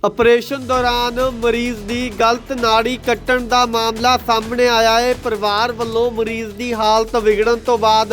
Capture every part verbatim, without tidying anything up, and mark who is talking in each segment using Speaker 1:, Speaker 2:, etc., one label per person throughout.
Speaker 1: Operation ਦੌਰਾਨ ਮਰੀਜ਼ ਦੀ ਗਲਤ ਨਾੜੀ ਕੱਟਣ ਦਾ ਮਾਮਲਾ ਸਾਹਮਣੇ ਆਇਆ ਹੈ। ਪਰਿਵਾਰ ਵੱਲੋਂ ਮਰੀਜ਼ ਦੀ ਹਾਲਤ ਵਿਗੜਨ ਤੋਂ ਬਾਅਦ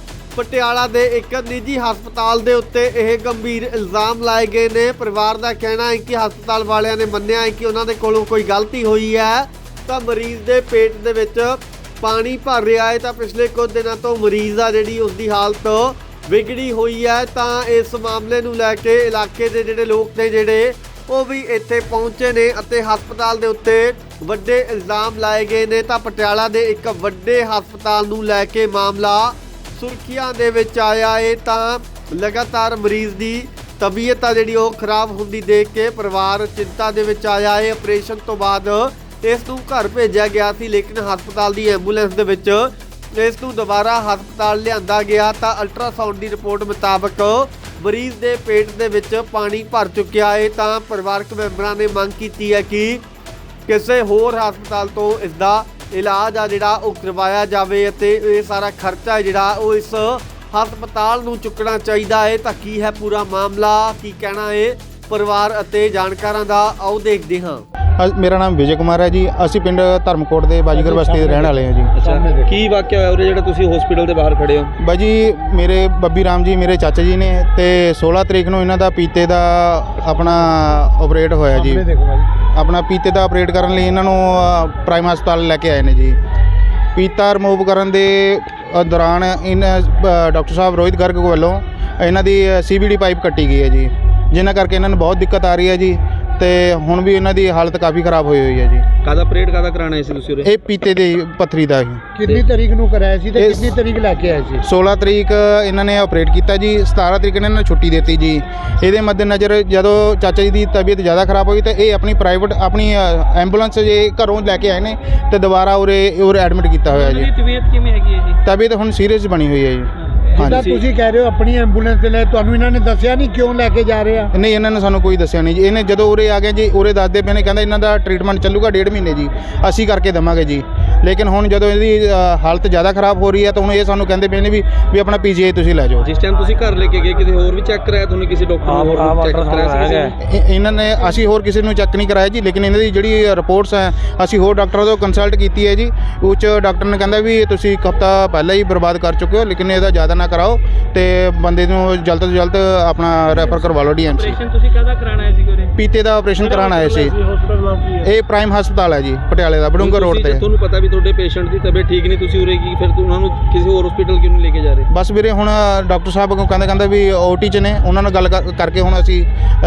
Speaker 1: ਪਟਿਆਲਾ ਦੇ ਇੱਕ ਨਿੱਜੀ ਹਸਪਤਾਲ ਦੇ ਉੱਤੇ ਇਹ ਗੰਭੀਰ ਇਲਜ਼ਾਮ ਲਾਏ ਗਏ ਨੇ। ਪਰਿਵਾਰ ਦਾ ਕਹਿਣਾ ਹੈ ਕਿ ਹਸਪਤਾਲ ਵਾਲਿਆਂ ਨੇ ਮੰਨਿਆ ਹੈ ਕਿ ਉਹਨਾਂ ਦੇ ਕੋਲੋਂ ਕੋਈ ਗਲਤੀ ਹੋਈ ਹੈ ਤਾਂ ਮਰੀਜ਼ ਦੇ ਪੇਟ ਦੇ ਵਿੱਚ ਪਾਣੀ ਭਰ ਰਿਹਾ ਹੈ ਤਾਂ ਪਿਛਲੇ ਕੁਝ ਦਿਨਾਂ ਤੋਂ ਮਰੀਜ਼ ਆ ਜਿਹੜੀ ਉਸ ਦੀ ਹਾਲਤ ਵਿਗੜੀ ਹੋਈ ਹੈ। ਤਾਂ ਇਸ ਮਾਮਲੇ ਨੂੰ ਲੈ ਕੇ ਇਲਾਕੇ ਦੇ ਜਿਹੜੇ ਲੋਕ ਨੇ ਜਿਹੜੇ ਉਹ ਵੀ ਇੱਥੇ ਪਹੁੰਚੇ ਨੇ ਅਤੇ ਹਸਪਤਾਲ ਦੇ ਉੱਤੇ ਵੱਡੇ ਇਲਜ਼ਾਮ ਲਾਏ ਗਏ ਨੇ। ਤਾਂ ਪਟਿਆਲਾ ਦੇ ਇੱਕ ਵੱਡੇ ਹਸਪਤਾਲ ਨੂੰ ਲੈ ਕੇ ਮਾਮਲਾ ਸੁਰਖੀਆਂ ਦੇ ਵਿੱਚ ਆਇਆ ਹੈ। ਤਾਂ ਲਗਾਤਾਰ ਮਰੀਜ਼ ਦੀ ਤਬੀਅਤ ਆ ਜਿਹੜੀ ਉਹ ਖਰਾਬ ਹੁੰਦੀ ਦੇਖ ਕੇ ਪਰਿਵਾਰ ਚਿੰਤਾ ਦੇ ਵਿੱਚ ਆਇਆ ਹੈ। ਆਪਰੇਸ਼ਨ ਤੋਂ ਬਾਅਦ ਇਸ ਨੂੰ ਘਰ ਭੇਜਿਆ ਗਿਆ ਸੀ, ਲੇਕਿਨ ਹਸਪਤਾਲ ਦੀ ਐਂਬੂਲੈਂਸ ਦੇ ਵਿੱਚ ਇਸ ਨੂੰ ਦੁਬਾਰਾ ਹਸਪਤਾਲ ਲਿਆਂਦਾ ਗਿਆ ਤਾਂ ਅਲਟਰਾਸਾਊਂਡ ਦੀ ਰਿਪੋਰਟ ਮੁਤਾਬਕ ਮਰੀਜ਼ ਦੇ ਪੇਟ ਦੇ ਵਿੱਚ ਪਾਣੀ ਭਰ ਚੁੱਕਿਆ ਹੈ। ਤਾਂ ਪਰਿਵਾਰਕ ਮੈਂਬਰਾਂ ਨੇ ਮੰਗ ਕੀਤੀ ਹੈ ਕਿ ਕਿਸੇ ਹੋਰ ਹਸਪਤਾਲ ਤੋਂ ਇਸ ਦਾ ਇਲਾਜ ਆ ਜਿਹੜਾ ਉਹ ਕਰਵਾਇਆ ਜਾਵੇ ਅਤੇ ਇਹ ਸਾਰਾ ਖਰਚਾ ਜਿਹੜਾ ਉਹ ਇਸ ਹਸਪਤਾਲ ਨੂੰ ਚੁੱਕਣਾ ਚਾਹੀਦਾ ਹੈ। ਤਾਂ ਕੀ ਹੈ ਪੂਰਾ ਮਾਮਲਾ, ਕੀ ਕਹਿਣਾ ਹੈ ਪਰਿਵਾਰ ਅਤੇ ਜਾਣਕਾਰਾਂ ਦਾ, ਆਓ ਦੇਖਦੇ ਹਾਂ।
Speaker 2: ਮੇਰਾ ਨਾਮ ਵਿਜੇ ਕੁਮਾਰ ਹੈ ਜੀ। ਅਸੀਂ ਪਿੰਡ ਧਰਮਕੋਟ ਦੇ ਬਾਜੀਗਰ ਬਸਤੀ ਦੇ ਰਹਿਣ ਵਾਲੇ ਹਾਂ ਜੀ।
Speaker 3: ਅੱਛਾ, ਕੀ ਵਾਕਿਆ ਹੋਇਆ ਉਰੇ ਜਿਹੜਾ ਤੁਸੀਂ ਹਸਪੀਟਲ ਦੇ ਬਾਹਰ ਖੜੇ ਹੋ?
Speaker 2: ਬਾਜੀ ਮੇਰੇ ਬੱਬੀ ਰਾਮ ਜੀ ਮੇਰੇ ਚਾਚਾ ਜੀ ਨੇ ਤੇ ਸੋਲ੍ਹਾਂ ਤਰੀਕ ਨੂੰ ਇਹਨਾਂ ਦਾ ਪੀਤੇ ਦਾ ਆਪਣਾ ਆਪਰੇਟ ਹੋਇਆ ਜੀ। ਆਪਣਾ ਪੀਤੇ ਦਾ ਆਪਰੇਟ ਕਰਨ ਲਈ ਇਹਨਾਂ ਨੂੰ ਪ੍ਰਾਈਮ ਹਸਪਤਾਲ ਲੈ ਕੇ ਆਏ ਨੇ ਜੀ। ਪੀਤਾ ਰਿਮੂਵ ਕਰਨ ਦੇ ਦੌਰਾਨ ਇਹਨਾਂ ਡਾਕਟਰ ਸਾਹਿਬ ਰੋਹਿਤ ਗਰਗ ਵੱਲੋਂ ਇਹਨਾਂ ਦੀ ਸੀ ਬੀ ਡੀ ਪਾਈਪ ਕੱਟੀ ਗਈ ਹੈ ਜੀ, ਜਿਨ੍ਹਾਂ ਕਰਕੇ ਇਹਨਾਂ ਨੂੰ ਬਹੁਤ ਦਿੱਕਤ ਆ ਰਹੀ ਹੈ ਜੀ ਤੇ ਹੁਣ ਵੀ ਇਹਨਾਂ ਦੀ ਹਾਲਤ ਕਾਫੀ ਖਰਾਬ ਹੋਈ ਹੋਈ ਹੈ ਜੀ।
Speaker 3: ਕਾਹਦਾ ਆਪਰੇਟ ਕਾਹਦਾ ਕਰਾਣਾ ਸੀ ਤੁਸੀਂ ਉਰੇ?
Speaker 2: ਇਹ ਪੀਤੇ ਦੀ ਪੱਥਰੀ ਦਾ ਹੀ।
Speaker 4: ਕਿੰਨੀ ਤਰੀਕ ਨੂੰ ਕਰਾਇਆ ਸੀ ਤੇ ਕਿੰਨੀ ਤਰੀਕ ਲੈ ਕੇ ਆਏ ਸੀ?
Speaker 2: ਸੋਲ੍ਹਾਂ ਤਰੀਕ ਇਹਨਾਂ ਨੇ ਆਪਰੇਟ ਕੀਤਾ ਜੀ। ਸਤਾਰਾਂ ਤਰੀਕ ਇਹਨਾਂ ਨੇ ਛੁੱਟੀ ਦਿੱਤੀ ਜੀ। ਇਹਦੇ ਮੱਦੇਨਜ਼ਰ ਜਦੋਂ ਚਾਚਾ ਜੀ ਦੀ ਤਬੀਅਤ ਜ਼ਿਆਦਾ ਖਰਾਬ ਹੋਈ ਤਾਂ ਇਹ ਆਪਣੀ ਪ੍ਰਾਈਵੇਟ ਆਪਣੀ ਐਂਬੂਲੈਂਸ ਜੇ ਘਰੋਂ ਲੈ ਕੇ ਆਏ ਨੇ ਤੇ ਦੁਬਾਰਾ ਉਰੇ ਉਰੇ ਐਡਮਿਟ ਕੀਤਾ ਹੋਇਆ ਜੀ।
Speaker 3: ਤਬੀਅਤ ਕਿਵੇਂ ਹੈਗੀ ਹੈ ਜੀ?
Speaker 2: ਤਬੀਅਤ ਹੁਣ ਸੀਰੀਅਸ ਬਣੀ ਹੋਈ ਹੈ ਜੀ।
Speaker 4: ਜਿੱਦਾਂ ਤੁਸੀਂ ਕਹਿ ਰਹੇ ਹੋ ਆਪਣੀ ਐਂਬੂਲੈਂਸ ਦੇ ਲੈ, ਤੁਹਾਨੂੰ ਇਹਨਾਂ ਨੇ ਦੱਸਿਆ ਨਹੀਂ ਕਿਉਂ ਲੈ ਕੇ ਜਾ ਰਹੇ ਆ?
Speaker 2: ਨਹੀਂ, ਇਹਨਾਂ ਨੇ ਸਾਨੂੰ ਕੋਈ ਦੱਸਿਆ ਨਹੀਂ ਜੀ। ਇਹਨੇ ਜਦੋਂ ਉਰੇ ਆ ਗਏ ਜੀ, ਉਰੇ ਦੱਸਦੇ ਪਏ ਨੇ, ਕਹਿੰਦਾ ਇਹਨਾਂ ਦਾ ਟ੍ਰੀਟਮੈਂਟ ਚੱਲੂਗਾ ਡੇਢ ਮਹੀਨੇ ਜੀ, ਅਸੀਂ ਕਰਕੇ ਦੇਵਾਂਗੇ ਜੀ। ਲੇਕਿਨ ਹੁਣ ਜਦੋਂ ਇਹਦੀ ਹਾਲਤ ਜ਼ਿਆਦਾ ਖਰਾਬ ਹੋ ਰਹੀ ਹੈ ਤਾਂ ਹੁਣ ਇਹ ਸਾਨੂੰ ਕਹਿੰਦੇ ਪਏ ਨੇ ਵੀ ਵੀ ਆਪਣਾ ਪੀ ਜੀ ਆਈ ਤੁਸੀਂ ਲੈ ਜਾਓ।
Speaker 3: ਜਿਸ ਟਾਈਮ ਤੁਸੀਂ ਘਰ ਲੈ ਕੇ ਗਏ ਕਿਤੇ ਹੋਰ ਵੀ ਚੈੱਕ ਕਰਾਇਆ ਤੁਹਾਨੂੰ? ਕਿਸੇ ਡਾਕਟਰ ਨੂੰ ਹੋਰ ਚੈੱਕ ਕਰਾਇਆ ਸੀ?
Speaker 2: ਇਹਨਾਂ ਨੇ ਅਸੀਂ ਹੋਰ ਕਿਸੇ ਨੂੰ ਚੈੱਕ ਨਹੀਂ ਕਰਾਇਆ ਜੀ, ਲੇਕਿਨ ਇਹਨਾਂ ਦੀ ਜਿਹੜੀ ਰਿਪੋਰਟਸ ਹੈ ਅਸੀਂ ਹੋਰ ਡਾਕਟਰਾਂ ਤੋਂ ਕੰਸਲਟ ਕੀਤੀ ਹੈ ਜੀ। ਉੱਚ ਡਾਕਟਰ ਨੇ ਕਹਿੰਦਾ ਵੀ ਤੁਸੀਂ ਇੱਕ ਹਫ਼ਤਾ ਪਹਿਲਾਂ ਹੀ ਬਰਬਾਦ ਕਰ ਚੁੱਕੇ ਹੋ, ਲੇਕਿਨ ਇਹਦਾ ਜ਼ਿਆਦਾ ਨਾ ਕਰਾਓ ਤੇ ਬੰਦੇ ਨੂੰ ਜਲਦ ਤੋਂ ਜਲਦ ਆਪਣਾ ਰੈਫਰ ਕਰਵਾ ਲਓ ਡੀ ਐਮ ਸੀ।
Speaker 3: ਆਪਰੇਸ਼ਨ ਤੁਸੀਂ ਕਾਹਦਾ ਕਰਾਣਾ ਹੈ ਸੀ ਉਰੇ?
Speaker 2: ਪੀਤੇ ਦਾ ਆਪਰੇਸ਼ਨ ਕਰਾਉਣ ਆਏ ਸੀ। ਇਹ ਪ੍ਰਾਈਮ ਹਸਪਤਾਲ ਹੈ ਜੀ ਪਟਿਆਲੇ ਦਾ, ਬੜੂੰਗਰ ਰੋਡ ਤੇ।
Speaker 3: ਤੁਹਾਨੂੰ ਪਤਾ ਵੀ ਤੁਹਾਡੇ ਪੇਸ਼ੈਂਟ ਦੀ ਤਬੀਅਤ ਠੀਕ ਨਹੀਂ, ਤੁਸੀਂ ਉਰੇ ਕੀ ਫਿਰ ਉਹਨਾਂ ਨੂੰ ਕਿਸੇ ਹੋਰ ਹਸਪੀਟਲ ਕਿਉਂ ਨਹੀਂ ਲੈ ਕੇ ਜਾ ਰਹੇ?
Speaker 2: ਬਸ ਵੀਰੇ ਹੁਣ ਡਾਕਟਰ ਸਾਹਿਬ ਕੋਲ ਕਹਿੰਦੇ ਕਹਿੰਦੇ ਵੀ ਓ ਟੀ 'ਚ ਨੇ, ਉਹਨਾਂ ਨਾਲ ਗੱਲ ਕਰਕੇ ਹੁਣ ਅਸੀਂ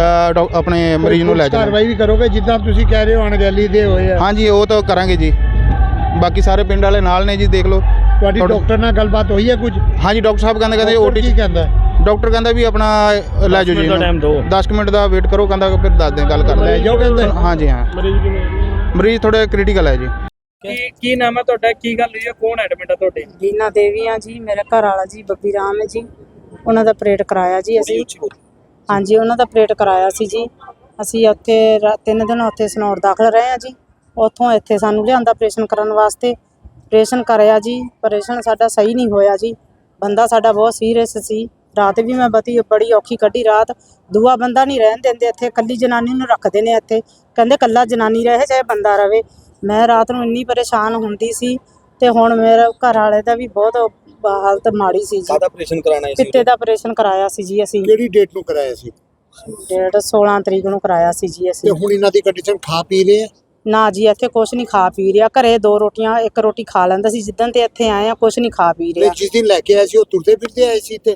Speaker 2: ਆਪਣੇ ਮਰੀਜ਼ ਨੂੰ ਲੈ ਜਾਵਾਂਗੇ।
Speaker 4: ਕਾਰਵਾਈ ਵੀ ਕਰੋਗੇ ਜਿੱਦਾਂ ਤੁਸੀਂ ਕਹਿ ਰਹੇ ਹੋ ਅਣਗਹਿਲੀ ਦੇ ਹੋਏ ਆ?
Speaker 2: ਹਾਂਜੀ, ਉਹ ਤਾਂ ਕਰਾਂਗੇ ਜੀ। ਬਾਕੀ ਸਾਰੇ ਪਿੰਡ ਵਾਲੇ ਨਾਲ ਨੇ ਜੀ, ਦੇਖ ਲਓ।
Speaker 4: ਤੁਹਾਡੀ ਡਾਕਟਰ ਨਾਲ ਗੱਲਬਾਤ ਹੋਈ ਹੈ ਕੁਝ?
Speaker 2: ਹਾਂਜੀ, ਡਾਕਟਰ ਸਾਹਿਬ ਕਹਿੰਦੇ ਕਹਿੰਦੇ ਓ ਟੀ
Speaker 4: ਕੀ ਕਹਿੰਦਾ?
Speaker 2: ਡਾਕਟਰ ਕਹਿੰਦਾ ਵੀ ਆਪਣਾ ਲੈ ਜਾਓ ਜੀ, ਦਸ ਕੁ ਮਿੰਟ ਦਾ ਵੇਟ ਕਰੋ, ਕਹਿੰਦਾ ਫਿਰ ਦੱਸ ਦੇ ਗੱਲ ਕਰ ਲੈ
Speaker 4: ਜਾਓ ਕਹਿੰਦੇ।
Speaker 2: ਹਾਂਜੀ ਹਾਂ, ਮਰੀਜ਼ ਥੋੜਾ ਕ੍ਰਿਟੀਕਲ ਹੈ ਜੀ।
Speaker 3: ਕੀ ਕੀ ਨਾਮ ਹੈ ਤੁਹਾਡਾ? ਕੀ ਗੱਲ ਹੋਈ ਹੈ? ਕੌਣ ਐਡਮਿਟ ਹੈ ਤੁਹਾਡੇ?
Speaker 5: ਰੀਨਾ ਦੇਵੀ ਆ ਜੀ। ਮੇਰੇ ਘਰ ਵਾਲਾ ਜੀ ਬੱਬੀ ਰਾਮ ਹੈ ਜੀ। ਉਹਨਾਂ ਦਾ ਆਪਰੇਟ ਕਰਾਇਆ ਜੀ ਅਸੀਂ। ਹਾਂਜੀ, ਉਹਨਾਂ ਦਾ ਆਪਰੇਟ ਕਰਾਇਆ ਸੀ ਜੀ। ਅਸੀਂ ਉੱਥੇ ਤਿੰਨ ਦਿਨ ਉੱਥੇ ਸਨੌਰ ਦਾਖਲ ਰਹੇ ਆ ਜੀ। ਉੱਥੋਂ ਇੱਥੇ ਸਾਨੂੰ ਲਿਆਂਦਾ ਆਪਰੇਸ਼ਨ ਕਰਨ ਵਾਸਤੇ। ਆਪਰੇਸ਼ਨ ਕਰਿਆ ਜੀ, ਆਪਰੇਸ਼ਨ ਸਾਡਾ ਸਹੀ ਨਹੀਂ ਹੋਇਆ ਜੀ। ਬੰਦਾ ਸਾਡਾ ਬਹੁਤ ਸੀਰੀਅਸ ਸੀ। ਰਾਤ ਵੀ ਮੈਂ ਬਤੀ ਬੜੀ ਔਖੀ ਕੱਢੀ ਰਾਤ। ਦੂਆ ਬੰਦਾ ਨਹੀਂ ਰਹਿਣ ਦਿੰਦੇ ਇੱਥੇ, ਇਕੱਲੀ ਜਨਾਨੀ ਨੂੰ ਰੱਖਦੇ ਨੇ ਇੱਥੇ। ਕਹਿੰਦੇ ਇਕੱਲਾ ਜਨਾਨੀ ਰਹੇ ਚਾਹੇ ਬੰਦਾ ਰਵੇ। ਮੈਂ ਰਾਤ ਨੂੰ ਇੰਨੀ ਪਰੇਸ਼ਾਨ ਹੁੰਦੀ ਸੀ ਤੇ ਹੁਣ ਮੇਰੇ ਘਰ ਵਾਲੇ ਦਾ ਵੀ ਬਹੁਤ ਹਾਲਤ ਮਾੜੀ ਸੀ ਜੀ।
Speaker 3: ਕਾਹਦਾ ਆਪਰੇਸ਼ਨ ਕਰਾਣਾ ਸੀ?
Speaker 5: ਪਿੱਤੇ ਦਾ ਆਪਰੇਸ਼ਨ ਕਰਾਇਆ ਸੀ ਜੀ ਅਸੀਂ।
Speaker 4: ਕਿਹੜੀ ਡੇਟ ਨੂੰ ਕਰਾਇਆ ਸੀ?
Speaker 5: ਡੇਟ ਸੋਲ੍ਹਾਂ ਤਰੀਕ ਨੂੰ ਕਰਾਇਆ ਸੀ ਜੀ ਅਸੀਂ।
Speaker 4: ਤੇ ਹੁਣ ਇਹਨਾਂ ਦੀ ਕੰਡੀਸ਼ਨ ਖਾ ਪੀ ਰਹੇ ਆ?
Speaker 5: ਨਾ ਜੀ, ਇੱਥੇ ਕੁਛ ਨਹੀਂ ਖਾ ਪੀ ਰਿਹਾ। ਘਰੇ ਦੋ ਰੋਟੀਆਂ ਇੱਕ ਰੋਟੀ ਖਾ ਲੈਂਦਾ ਸੀ, ਜਿੱਦਣ ਤੇ ਇੱਥੇ ਆਏ ਆ ਕੁਛ ਨਹੀਂ ਖਾ ਪੀ ਰਿਹਾ।
Speaker 4: ਜਿਸ ਦਿਨ ਲੈ ਕੇ ਆਏ ਸੀ ਉਹ ਤੁਰਦੇ ਫਿਰਦੇ ਆਏ ਸੀ ਤੇ?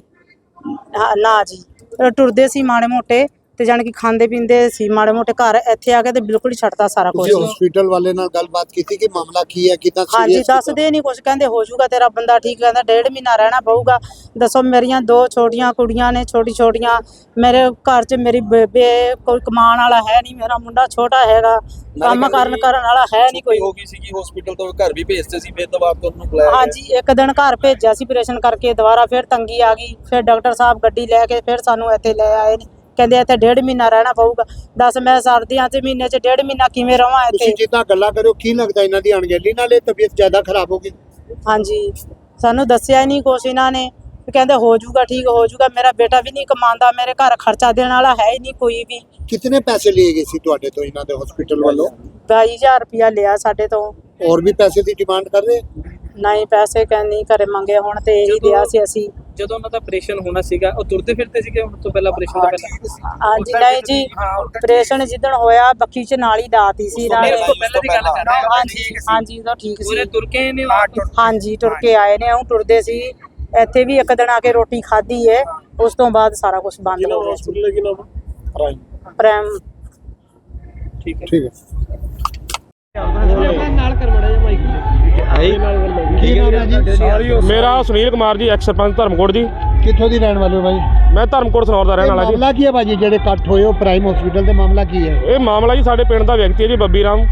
Speaker 5: ਨਾ ਜੀ, ਟੁਰਦੇ ਸੀ ਮਾੜੇ ਮੋਟੇ ਤੇ ਜਾਣ ਕਿ ਖਾਂਦੇ ਪੀਂਦੇ ਸੀ ਮਾੜੇ ਮੋਟੇ। ਘਰ ਇੱਥੇ ਆ ਕੇ ਤੇ ਬਿਲਕੁਲ ਹੀ ਛੱਡਤਾ ਸਾਰਾ ਕੁਝ।
Speaker 4: ਤੁਸੀਂ ਹਸਪੀਟਲ ਵਾਲੇ ਨਾਲ ਗੱਲਬਾਤ ਕੀਤੀ ਕਿ ਮਾਮਲਾ ਕੀ ਹੈ, ਕਿਦਾਂ?
Speaker 5: ਹਾਂਜੀ, ਦੱਸਦੇ ਨਹੀਂ ਕੁਝ। ਕਹਿੰਦੇ ਹੋ ਜਾਊਗਾ ਤੇਰਾ ਬੰਦਾ ਠੀਕ, ਕਹਿੰਦਾ ਡੇਢ ਮਹੀਨਾ ਰਹਿਣਾ ਪਊਗਾ। ਦੱਸੋ, ਮੇਰੀਆਂ ਦੋ ਛੋਟੀਆਂ ਕੁੜੀਆਂ ਨੇ, ਛੋਟੀ ਛੋਟੀਆਂ। ਮੇਰੇ ਘਰ 'ਚ ਮੇਰੀ ਬੇਬੇ, ਕੋਈ ਕਮਾਉਣ ਵਾਲਾ ਹੈ ਨਹੀਂ। ਮੇਰਾ ਮੁੰਡਾ ਛੋਟਾ ਹੈਗਾ, ਕੰਮ ਕਰਨ ਕਰਨ ਵਾਲਾ ਹੈ ਨਹੀਂ ਕੋਈ।
Speaker 3: ਹੋ ਗਈ ਸੀਗੀ ਹਸਪੀਟਲ ਤੋਂ ਘਰ ਵੀ ਭੇਜਦੇ ਸੀ, ਫਿਰ ਦੁਬਾਰਾ ਤੁਹਾਨੂੰ ਬੁਲਾਇਆ?
Speaker 5: ਹਾਂਜੀ, ਇੱਕ ਦਿਨ ਘਰ ਭੇਜਿਆ ਸੀ ਆਪਰੇਸ਼ਨ ਕਰਕੇ, ਦੁਬਾਰਾ ਫਿਰ ਤੰਗੀ ਆ ਗਈ। ਫਿਰ ਡਾਕਟਰ ਸਾਹਿਬ ਗੱਡੀ ਲੈ ਕੇ ਫਿਰ ਸਾਨੂੰ ਇੱਥੇ ਲੈ ਆਏ ਨੇ। ਕਹਿੰਦੇ ਇੱਥੇ ਡੇਢ ਮਹੀਨਾ ਰਹਿਣਾ ਪਊਗਾ। ਦੱਸ, ਮੈਂ ਸਰਦੀਆਂ 'ਚ ਮਹੀਨੇ 'ਚ ਡੇਢ ਮਹੀਨਾ ਕਿਵੇਂ ਰਵਾਂ ਇੱਥੇ?
Speaker 4: ਤੁਸੀਂ ਜਿੱਦਾਂ ਗੱਲਾਂ ਕਰਿਓ, ਕੀ ਲੱਗਦਾ ਇਹਨਾਂ ਦੀ ਅਣਗਹਿਲੀ ਨਾਲ ਇਹ ਤਬੀਅਤ ਜ਼ਿਆਦਾ ਖਰਾਬ ਹੋ ਗਈ?
Speaker 5: ਹਾਂਜੀ, ਸਾਨੂੰ ਦੱਸਿਆ ਹੀ ਨਹੀਂ ਕੁਛ ਇਹਨਾਂ ਨੇ। ਵੀ ਕਹਿੰਦੇ ਹੋ ਜਾਊਗਾ ਠੀਕ ਹੋ ਜਾਊਗਾ। ਮੇਰਾ ਬੇਟਾ ਵੀ ਨਹੀਂ ਕਮਾਉਂਦਾ, ਮੇਰੇ ਘਰ ਖਰਚਾ ਦੇਣ ਵਾਲਾ ਹੈ ਹੀ ਨਹੀਂ ਕੋਈ ਵੀ।
Speaker 4: ਕਿਤਨੇ ਪੈਸੇ लिए गए सी ਤੁਹਾਡੇ ਤੋਂ ਇਹਨਾਂ ਦੇ ਹਸਪੀਟਲ ਵੱਲੋਂ?
Speaker 5: ਬਾਈ ਹਜ਼ਾਰ ਰੁਪਇਆ ਲਿਆ ਸਾਡੇ ਤੋਂ।
Speaker 4: ਹੋਰ ਵੀ ਪੈਸੇ ਦੀ ਡਿਮਾਂਡ ਕਰ ਰਹੇ?
Speaker 5: ਨਹੀਂ ਪੈਸੇ ਕਹਿੰਨੀ ਘਰੇ ਮੰਗੇ ਹੁਣ ਤੇ ਇਹੀ ਲਿਆ ਸੀ ਅਸੀਂ।
Speaker 3: ਜਦੋਂ ਉਹਨਾਂ ਦਾ ਆਪਰੇਸ਼ਨ ਹੋਣਾ ਸੀਗਾ ਉਹ ਤੁਰਦੇ ਫਿਰਦੇ ਸੀਗੇ ਹੁਣ ਤੋਂ ਪਹਿਲਾਂ ਆਪਰੇਸ਼ਨ ਤੋਂ ਪਹਿਲਾਂ?
Speaker 5: ਹਾਂਜੀ ਨਹੀਂ ਜੀ, ਆਪਰੇਸ਼ਨ ਜਿੱਦਣ ਹੋਇਆ ਬੱਕੀ ਚ ਨਾਲ ਹੀ ਦਾਤੀ ਸੀ ਨਾਲੇ।
Speaker 3: ਉਸ ਤੋਂ ਪਹਿਲਾਂ ਦੀ ਗੱਲ ਕਰ ਰਹੇ ਹਾਂ।
Speaker 5: ਹਾਂਜੀ ਹਾਂਜੀ ਉਦੋਂ ਠੀਕ
Speaker 3: ਉਹਨੇ
Speaker 5: ਸੀ।
Speaker 3: ਤੁਰ ਕੇ ਆਏ ਨੇ?
Speaker 5: ਹਾਂਜੀ ਤੁਰ ਕੇ ਆਏ ਨੇ, ਉਹ ਟੁਰਦੇ ਸੀ। ਇੱਥੇ ਵੀ ਇੱਕ ਦਿਨ ਆ ਕੇ ਰੋਟੀ ਖਾਧੀ ਹੈ, ਉਸ ਤੋਂ ਬਾਅਦ ਸਾਰਾ ਕੁਝ ਬੰਦ ਹੋ ਗਿਆ ਸੀ। ਪ੍ਰੈਮ
Speaker 3: ਠੀਕ ਹੈ
Speaker 4: ਠੀਕ ਹੈ।
Speaker 3: ਕੀ ਨਾਮ ਹੈ ਜੀ?
Speaker 6: ਮੇਰਾ ਸੁਨੀਲ ਕੁਮਾਰ ਜੀ, ਐਕਸ ਸਰਪੰਚ ਧਰਮਕੋਟ ਜੀ।
Speaker 4: ਕਿੱਥੋਂ ਦੀ ਰਹਿਣ ਵਾਲੇ ਹੋ ਭਾਈ?
Speaker 6: ਮੈਂ ਧਰਮਕੋਟ ਸਨੌਰ ਦਾ ਰਹਿਣ ਵਾਲਾ ਜੀ।
Speaker 4: ਮਾਮਲਾ ਕੀ ਹੈ ਭਾਜੀ ਜਿਹੜੇ ਇਕੱਠ ਹੋਏ ਹੋ ਪ੍ਰਾਈਮ ਹਸਪੀਟਲ ਤੇ, ਮਾਮਲਾ ਕੀ ਹੈ?
Speaker 6: ਇਹ ਮਾਮਲਾ ਜੀ ਸਾਡੇ ਪਿੰਡ ਦਾ ਵਿਅਕਤੀ ਹੈ ਜੀ ਬੱਬੀ ਰਾਮ,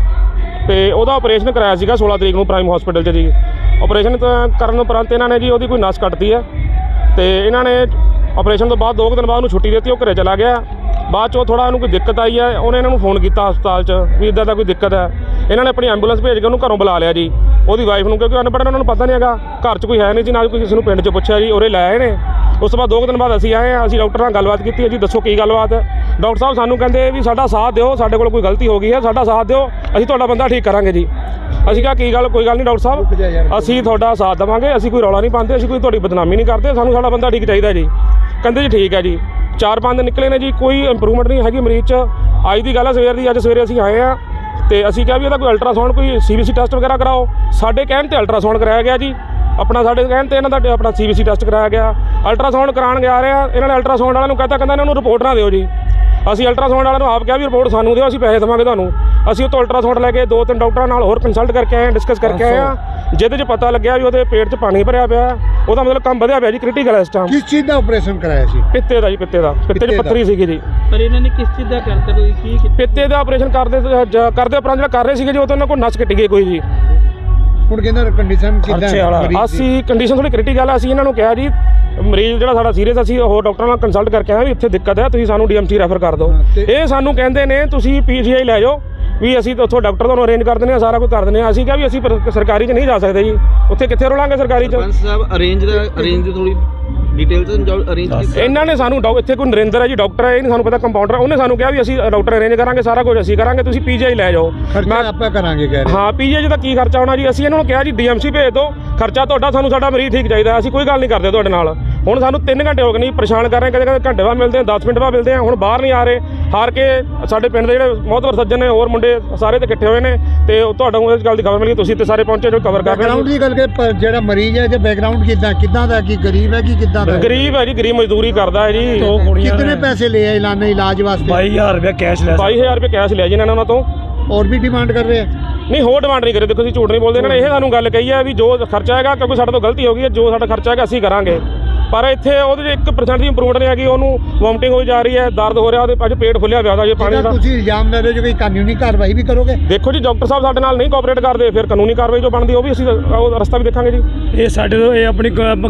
Speaker 6: ਤੇ ਉਹਦਾ ਆਪਰੇਸ਼ਨ ਕਰਾਇਆ ਸੀਗਾ ਸੋਲਾਂ ਤਰੀਕ ਨੂੰ ਪ੍ਰਾਈਮ ਹਸਪੀਟਲ 'ਚ ਜੀ। ਆਪਰੇਸ਼ਨ ਕਰਨ ਉਪਰੰਤ ਇਹਨਾਂ ਨੇ ਜੀ ਉਹਦੀ ਕੋਈ ਨਸ ਕੱਟਦੀ ਹੈ, ਤੇ ਇਹਨਾਂ ਨੇ ਆਪਰੇਸ਼ਨ ਤੋਂ ਬਾਅਦ ਦੋ ਕੁ ਦਿਨ ਬਾਅਦ ਉਹਨੂੰ ਛੁੱਟੀ ਦਿੱਤੀ, ਉਹ ਘਰੇ ਚਲਾ ਗਿਆ। ਬਾਅਦ 'ਚੋਂ ਥੋੜ੍ਹਾ ਉਹਨੂੰ ਕੋਈ ਦਿੱਕਤ ਆਈ ਹੈ, ਉਹਨੇ ਇਹਨਾਂ ਨੂੰ ਫੋਨ ਕੀਤਾ ਹਸਪਤਾਲ 'ਚ ਵੀ ਇੱਦਾਂ ਦਾ ਕੋਈ ਦਿੱਕਤ ਹੈ। ਇਹਨਾਂ ਨੇ ਆਪਣੀ ਐਂਬੂਲੈਂਸ ਭੇਜ ਕੇ ਉਹਨੂੰ ਘਰੋਂ ਬੁਲਾ ਲਿਆ ਜੀ। ਉਹਦੀ ਵਾਈਫ ਨੂੰ, ਕਿਉਂਕਿ ਅਨਪੜ੍ਹ ਉਹਨਾਂ ਨੂੰ ਪਤਾ ਨਹੀਂ ਹੈਗਾ, ਘਰ 'ਚ ਕੋਈ ਹੈ ਨਹੀਂ ਜੀ, ਨਾ ਕੋਈ ਕਿਸੇ ਨੂੰ ਪਿੰਡ 'ਚ ਪੁੱਛਿਆ ਜੀ, ਉਰੇ ਲੈ ਆਏ ਨੇ। ਉਸ ਤੋਂ ਬਾਅਦ ਦੋ ਕੁ ਦਿਨ ਬਾਅਦ ਅਸੀਂ ਆਏ ਹਾਂ, ਅਸੀਂ ਡਾਕਟਰ ਨਾਲ ਗੱਲਬਾਤ ਕੀਤੀ ਹੈ ਜੀ, ਦੱਸੋ ਕੀ ਗੱਲਬਾਤ ਹੈ। ਡਾਕਟਰ ਸਾਹਿਬ ਸਾਨੂੰ ਕਹਿੰਦੇ ਵੀ ਸਾਡਾ ਸਾਥ ਦਿਓ, ਸਾਡੇ ਕੋਲ ਕੋਈ ਗਲਤੀ ਹੋ ਗਈ ਹੈ, ਸਾਡਾ ਸਾਥ ਦਿਓ, ਅਸੀਂ ਤੁਹਾਡਾ ਬੰਦਾ ਠੀਕ ਕਰਾਂਗੇ ਜੀ। ਅਸੀਂ ਕਿਹਾ ਕੀ ਗੱਲ, ਕੋਈ ਗੱਲ ਨਹੀਂ ਡਾਕਟਰ ਸਾਹਿਬ, ਅਸੀਂ ਤੁਹਾਡਾ ਸਾਥ ਦੇਵਾਂਗੇ, ਅਸੀਂ ਕੋਈ ਰੌਲਾ ਨਹੀਂ ਪਾਉਂਦੇ, ਅਸੀਂ ਕੋਈ ਤੁਹਾਡੀ ਬਦਨਾਮੀ ਨਹੀਂ ਕਰਦੇ, ਸਾਨੂੰ ਸਾਡਾ ਬੰਦਾ ਠੀਕ ਚਾਹੀਦਾ ਜੀ। ਕਹਿੰਦੇ ਜੀ ਠੀਕ ਹੈ ਜੀ। ਚਾਰ ਪੰਜ ਦਿਨ ਨਿਕਲੇ ਨੇ ਜੀ, ਕੋਈ ਇੰਪਰੂਵਮੈਂਟ ਨਹੀਂ ਹੈਗੀ ਮਰੀਜ਼ 'ਚ। ਅੱਜ ਦੀ ਗੱਲ ਹੈ ਸਵੇਰ ਦੀ, ਅੱਜ ਸਵੇਰੇ ਅਸੀਂ ਆਏ ਹਾਂ ਤੇ ਅਸੀਂ ਕਿਹਾ ਵੀ ਇਹਦਾ ਕੋਈ ਅਲਟਰਾਸਾਊਂਡ, ਕੋਈ ਸੀ ਬੀ ਸੀ ਟੈਸਟ ਵਗੈਰਾ ਕਰਾਓ। ਸਾਡੇ ਕਹਿਣ ਤੇ ਅਲਟਰਾਸਾਊਂਡ ਕਰਾਇਆ ਗਿਆ ਜੀ, ਆਪਣਾ ਸਾਡੇ ਕਹਿਣ ਤੇ ਇਹਨਾਂ ਦਾ ਆਪਣਾ ਸੀ ਬੀ ਸੀ ਟੈਸਟ ਕਰਾਇਆ ਗਿਆ। ਅਲਟਰਾਸਾਊਂਡ ਕਰਾਉਣ ਗਿਆ ਰਹੇ ਆ, ਇਹਨਾਂ ਨੇ ਅਲਟਰਾਸਾਊਂਡ ਵਾਲਿਆਂ ਨੂੰ ਕਹਤਾ, ਕਹਿੰਦਾ ਇਹਨਾਂ ਨੂੰ ਰਿਪੋਰਟ ਨਾ ਦਿਓ ਜੀ। ਅਸੀਂ ਅਲਟਰਾਸਾਊਂਡ ਵਾਲਿਆਂ ਨੂੰ ਆਪ ਕਿਹਾ ਵੀ ਰਿਪੋਰਟ ਸਾਨੂੰ ਦਿਓ, ਅਸੀਂ ਪੈਸੇ ਦੇਵਾਂਗੇ ਤੁਹਾਨੂੰ। ਅਸੀਂ ਉਹ ਤੋਂ ਅਲਟਰਾਸਾਊਂਡ ਲੈ ਕੇ ਦੋ ਤਿੰਨ ਡਾਕਟਰਾਂ ਨਾਲ ਹੋਰ ਕੰਸਲਟ ਕਰਕੇ ਆਏ, ਡਿਸਕਸ ਕਰਕੇ ਆਏ ਆ, ਜਿਹਦੇ 'ਚ ਪਤਾ ਲੱਗਿਆ ਵੀ ਉਹਦੇ ਪੇਟ 'ਚ ਪਾਣੀ ਭਰਿਆ ਪਿਆ, ਉਹਦਾ ਮਤਲਬ ਕੰਮ ਵਧਿਆ ਪਿਆ ਜੀ, ਕ੍ਰਿਟੀਕਲ ਇਸ ਟਾਈਮ।
Speaker 4: ਕਿਸ ਚੀਜ਼ ਦਾ ਆਪਰੇਸ਼ਨ ਕਰਾਇਆ ਸੀ?
Speaker 6: ਪਿੱਤੇ ਦਾ ਜੀ, ਪਿੱਤੇ ਦਾ। ਪਿੱਤੇ 'ਚ ਪੱਥਰੀ ਸੀਗੀ ਜੀ।
Speaker 3: ਪਰ ਇਹਨਾਂ ਨੇ ਕਿਸ ਚੀਜ਼ ਦਾ ਕਰਤਾ, ਕੋਈ ਕੀ
Speaker 6: ਪਿੱਤੇ ਦਾ ਆਪਰੇਸ਼ਨ ਕਰਦੇ ਕਰਦੇ ਉਪਰੰਤ ਜਿਹੜਾ ਕਰ ਰਹੇ ਸੀਗੇ ਜੀ, ਉਹ ਤੋਂ ਉਹਨਾਂ ਕੋਲ ਨਸ ਕੱਟੀ ਗਈ ਕੋਈ ਜੀ।
Speaker 4: ਹੁਣ ਕਹਿੰਦਾ ਕੰਡੀਸ਼ਨ ਕਿੱਦਾਂ?
Speaker 6: ਅਸੀਂ ਕੰਡੀਸ਼ਨ ਥੋੜੀ ਕ੍ਰਿਟੀਕਲ ਆ। ਅਸੀਂ ਇਹਨਾਂ ਨੂੰ ਕਿਹਾ ਜੀ ਮਰੀਜ਼ ਜਿਹੜਾ ਸਾਡਾ ਸੀਰੀਅਸ, ਅਸੀਂ ਹੋਰ ਡਾਕਟਰਾਂ ਨਾਲ ਕੰਸਲਟ ਕਰਕੇ ਆਏ ਵੀ ਇੱਥੇ ਦਿੱਕਤ ਹੈ, ਤੁਸੀਂ ਸਾਨੂੰ ਡੀ ਐਮ ਸੀ ਰੈਫਰ ਕਰ ਦਿਓ। ਇਹ ਸਾਨੂੰ ਕਹਿੰਦੇ ਨੇ ਤੁਸੀਂ ਪੀ ਜੀ ਆਈ ਲੈ ਜਾਓ, ਵੀ ਅਸੀਂ ਉੱਥੋਂ ਡਾਕਟਰ ਤੁਹਾਨੂੰ ਅਰੇਂਜ ਕਰ ਦਿੰਦੇ ਹਾਂ, ਸਾਰਾ ਕੁਝ ਕਰ ਦਿੰਦੇ ਹਾਂ। ਅਸੀਂ ਕਿਹਾ ਵੀ ਅਸੀਂ ਸਰਕਾਰੀ 'ਚ ਨਹੀਂ ਜਾ ਸਕਦੇ ਜੀ, ਉੱਥੇ ਕਿੱਥੇ ਰੋਲਾਂਗੇ ਸਰਕਾਰੀ 'ਚ।
Speaker 3: ਸਰਪੰਚ ਸਾਹਿਬ ਅਰੇਂਜ ਦਾ ਅਰੇਂਜ ਦੀ ਥੋੜੀ ਡਿਟੇਲ ਸਮਝਾਓ, ਅਰੇਂਜ ਕੀਤਾ
Speaker 6: ਇਹਨਾਂ ਨੇ ਸਾਨੂੰ। ਇੱਥੇ ਕੋਈ ਨਰਿੰਦਰ ਹੈ ਜੀ ਡਾਕਟਰ ਹੈ, ਇਹ ਨਹੀਂ ਸਾਨੂੰ ਪਤਾ, ਕੰਪਾਊਂਡਰ, ਉਹਨੇ ਸਾਨੂੰ ਕਿਹਾ ਵੀ ਅਸੀਂ ਡਾਕਟਰ ਅਰੇਂਜ ਕਰਾਂਗੇ, ਸਾਰਾ ਕੁਝ ਅਸੀਂ ਕਰਾਂਗੇ, ਤੁਸੀਂ ਪੀ ਜੀ ਆਈ ਲੈ ਜਾਓ।
Speaker 4: ਮੈਂ ਆਪਾਂ ਕਰਾਂਗੇ ਕਹਿ ਰਹੇ।
Speaker 6: ਹਾਂ ਪੀ ਜੀ ਆਈ ਦਾ ਕੀ ਖਰਚਾ ਹੋਣਾ ਜੀ। ਅਸੀਂ ਇਹਨਾਂ ਨੂੰ ਕਿਹਾ ਜੀ ਡੀ ਐਮ ਸੀ ਭੇਜ ਦਿਓ, ਖਰਚਾ ਤੁਹਾਡਾ, ਸਾਨੂੰ ਸਾਡਾ ਮਰੀਜ਼ ਠੀਕ ਚਾਹੀਦਾ, ਅਸੀਂ ਕੋਈ ਗੱਲ ਨਹੀਂ ਕਰਦੇ ਤੁਹਾਡੇ ਨਾਲ। ਹੁਣ ਸਾਨੂੰ ਤਿੰਨ ਘੰਟੇ ਹੋ ਗਏ ਨਹੀਂ, ਪਰੇਸ਼ਾਨ ਕਰ ਰਹੇ, ਕਦੇ ਕਦੇ ਘੰਟੇ ਬਾਅਦ ਮਿਲਦੇ ਆ, ਦਸ ਮਿੰਟ ਬਾਅਦ ਮਿਲਦੇ ਆ, ਹੁਣ ਬਾਹਰ ਨਹੀਂ ਆ ਰਹੇ। ਹਾਰ ਕੇ ਸਾਡੇ ਪਿੰਡ ਦੇ ਜਿਹੜੇ ਮੋਹਤਵਰ ਸੱਜਣ ਨੇ, ਹੋਰ ਮੁੰਡੇ ਸਾਰੇ ਤੇ ਇਕੱਠੇ ਹੋਏ ਨੇ, ਤੇ ਤੁਹਾਨੂੰ ਇਸ ਗੱਲ ਦੀ ਖਬਰ ਮਿਲੀ, ਤੁਸੀਂ ਤੇ ਸਾਰੇ ਪਹੁੰਚੇ ਜੋ ਕਵਰ ਕਰ ਰਹੇ ਹੋ।
Speaker 4: ਬੈਕਗ੍ਰਾਉਂਡ ਦੀ ਗੱਲ ਕਿ ਜਿਹੜਾ ਮਰੀਜ਼ ਹੈ, ਇਹਦੇ ਬੈਕਗ੍ਰਾਉਂਡ ਕਿੱਦਾਂ ਕਿੱਦਾਂ ਦਾ, ਕੀ ਗਰੀਬ ਹੈ ਕੀ ਕਿੱਦਾਂ ਦਾ?
Speaker 6: ਗਰੀਬ ਹੈ ਜੀ, ਗਰੀਬ ਮਜ਼ਦੂਰੀ ਕਰਦਾ ਹੈ ਜੀ।
Speaker 4: ਕਿਤਨੇ ਪੈਸੇ ਲਏ ਇਲਾਜ ਇਲਾਜ ਵਾਸਤੇ?
Speaker 6: ਬਾਈ ਹਜ਼ਾਰ ਰੁਪਏ ਕੈਸ਼ ਲਿਆ ਬਾਈ ਹਜ਼ਾਰ ਰੁਪਏ ਕੈਸ਼ ਲਿਆ ਜੀ ਇਹਨਾਂ ਨੇ ਉਹਨਾਂ ਤੋਂ।
Speaker 4: ਹੋਰ ਵੀ ਡਿਮਾਂਡ ਕਰ ਰਹੇ ਆ?
Speaker 6: ਨਹੀਂ ਹੋਰ ਡਿਮਾਂਡ ਨਹੀਂ ਕਰੇ, ਦੇਖੋ ਅਸੀਂ ਝੂਠ ਨਹੀਂ ਬੋਲਦੇ। ਇਹਨਾਂ ਨੇ ਇਹ ਸਾਨੂੰ ਗੱਲ ਕਹੀ ਹੈ ਵੀ ਜੋ ਖਰਚਾ ਹੈਗਾ, ਕਿਉਂਕਿ ਸਾਡੇ ਤੋਂ ਗਲਤੀ ਹੋ ਗਈ ਹੈ, ਜੋ ਸਾਡਾ ਖਰਚਾ ਹੈਗਾ ਅਸੀਂ ਕਰਾਂਗੇ। ਪਰ ਇੱਥੇ ਉਹਦੇ 'ਚ ਇੱਕ ਪਰਸੈਂਟ ਦੀ ਇੰਪਰੂਵਮੈਂਟ ਨਹੀਂ ਹੈਗੀ, ਉਹਨੂੰ ਵੋਮਟਿੰਗ ਹੋਈ ਜਾ ਰਹੀ ਹੈ, ਦਰਦ ਹੋ ਰਿਹਾ, ਉਹਦੇ ਅੱਜ ਪੇਟ ਫੁੱਲਿਆ ਪਿਆ ਉਹਦਾ ਜੀ ਪਾਣੀ ਦਾ।
Speaker 4: ਤੁਸੀਂ ਇਲਜ਼ਾਮ ਲਾ ਰਹੇ ਹੋ ਕਿ ਕਾਨੂੰਨੀ ਕਾਰਵਾਈ ਵੀ ਕਰੋਗੇ?
Speaker 6: ਦੇਖੋ ਜੀ ਡਾਕਟਰ ਸਾਹਿਬ ਸਾਡੇ ਨਾਲ ਨਹੀਂ ਕੋਆਪਰੇਟ ਕਰਦੇ, ਫਿਰ ਕਾਨੂੰਨੀ ਕਾਰਵਾਈ ਜੋ ਬਣਦੀ ਉਹ ਵੀ ਅਸੀਂ ਉਹ ਰਸਤਾ ਵੀ ਦੇਖਾਂਗੇ ਜੀ।
Speaker 7: ਇਹ ਸਾਡੇ ਤੋਂ ਇਹ ਆਪਣੀ